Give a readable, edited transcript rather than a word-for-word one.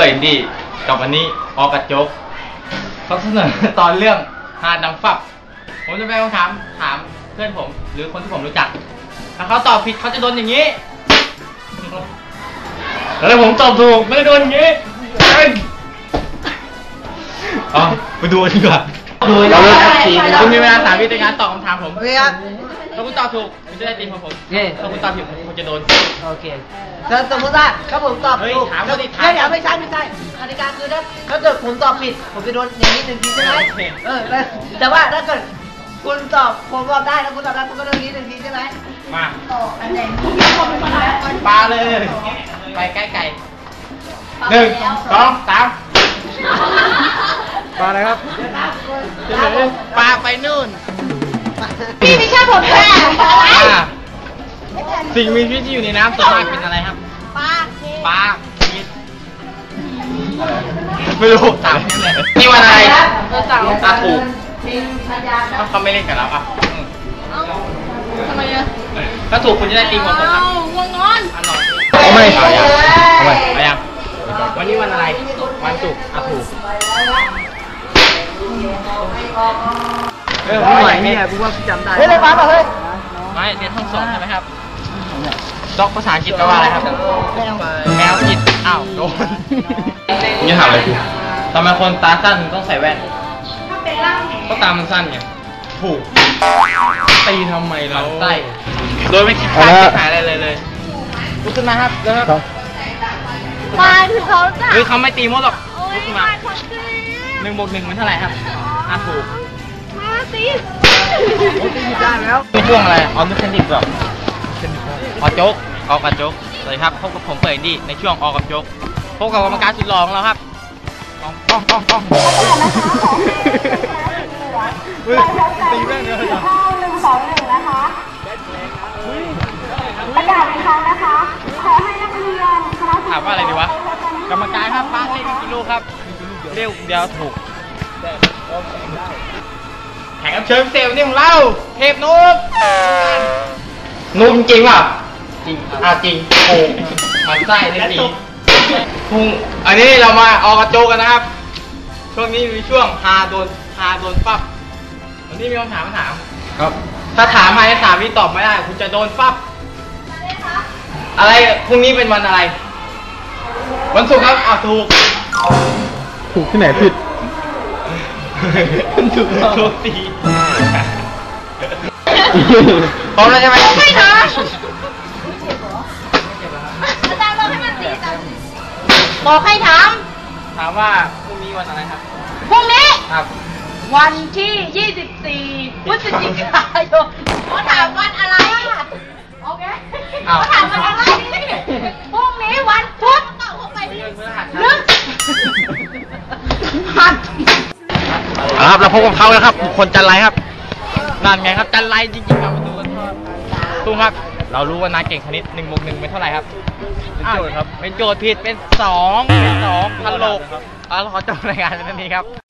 อินดี้กับวันนี้ออกระจกเขาเสนอตอนเรื่องหาดังฟับผมจะไปถามเพื่อนผมหรือคนที่ผมรู้จักถ้าเขาตอบผิดเขาจะโดนอย่างนี้แล้วผมตอบถูกไม่ได้โดนอย่างนี้อ๋อไปดูดีกว่าเราเลือกทีคุณมีเวลา3 วิในการตอบคำถามผมถ้าคุณตอบถูกคุณจะได้ตีของผมถ้าคุณตอบผิดคุณจะโดนโอเคสมมติว่าถ้าผมตอบถูกถามเขาดิถามเดี๋ยวไม่ใช่กติกาคือถ้าเกิดผมตอบผิดผมจะโดนอย่างนี้1 ทีใช่ไหมแต่ว่าถ้าเกิดคุณตอบผมตอบได้แล้วคุณตอบได้คุณก็โดนนี้1 ทีใช่ไหมมาปลาเลยไปใกล้ไก่1 2 3ปลาอะไรครับปลาไปนู่นพี่ไม่ใช่ผมแค่สิ่งมีชีวิตที่อยู่ในน้ำส่วนมากเป็นอะไรครับปลาไม่รู้ถามนี่วันอะไรถูกเขาไม่เล่นกับเราอ่ะทำไมอ่ะถ้าถูกคุณจะได้ตีหัวผมครับง่วงนอนไม่เอายังวันนี้วันอะไรวันศุกร์ถูกไม่ไหวเนี่ยกูว่าจำได้เฮ้ยเลยฟ้าเฮ้ยไม่เรียนห้องสองใช่ไหมครับด็อกภาษาอังกฤษแปลว่าอะไรครับแมวผิดอ้าวโดนนี่ถามอะไรกูทำไมคนตาสั้นต้องใส่แว่นก็ตามันสั้นไงถูกตีทำไมเราใส่โดยไม่คิดค่าใช้จ่ายอะไรเลยลุกขึ้นมาครับเร็วครับมาถึงเขาจ้ะเขาไม่ตีมดหรอกลุกขึ้นมา1 บวก 1เป็นเท่าไหร่ครับถูกมาสิได้แล้วนี่ช่วงอะไรออนุเทนดิกหรอออโจ๊กออกกับโจ๊กสวัสดีครับพบกับผมเปิดดีในช่วงออกกับโจ๊กพบกับกรรมการสุดหล่อของเราครับต้องตีแม่งเลย 1 2 1นะคะประกาศอีกครั้งนะคะขอให้นักเรียนคณะถามว่าอะไรดีวะกรรมการครับบ้านเล่นกี่ลูกครับเร็วเดียวถูกแข่งกับเชิญเซลล์นี่ของเราเทพนุ๊กจริงป่ะจริงจริงโอ้มันไส้ในสีพุงอันนี้เรามาออกกระโจกกันนะครับช่วงนี้มีช่วงฮาโดนปั๊บวันนี้มีคำถามครับถ้าถามมาใน3 วิตอบไม่ได้คุณจะโดนปั๊บอะไรพรุ่งนี้เป็นวันอะไรวันศุกร์ครับถูกที่ไหนผิดถูกโชคดีพร้อมแล้วใช่ไหมไม่นะอาจารย์บอกให้มันตีกันบอกให้ถามว่าพรุ่งนี้วันอะไรครับพรุ่งนี้ครับวันที่24 พฤศจิกายนเขาถามวันอะไรโอเคเขาถามวันอะไรพรุ่งนี้วันพุธตอบเข้าไปดินึกครับเราพบกับเขาแล้วครับบุคคลจันไรครับนั่นไงครับจันไรจริงๆครับมาดูกันตุ้งครับเรารู้ว่านายเก่งคณิต1 บวก 1เป็นเท่าไหร่ครับเป็นโจทย์ครับเป็นโจทย์ผิดเป็น2 พันโลกเราขอจบรายงานในนี้ครับ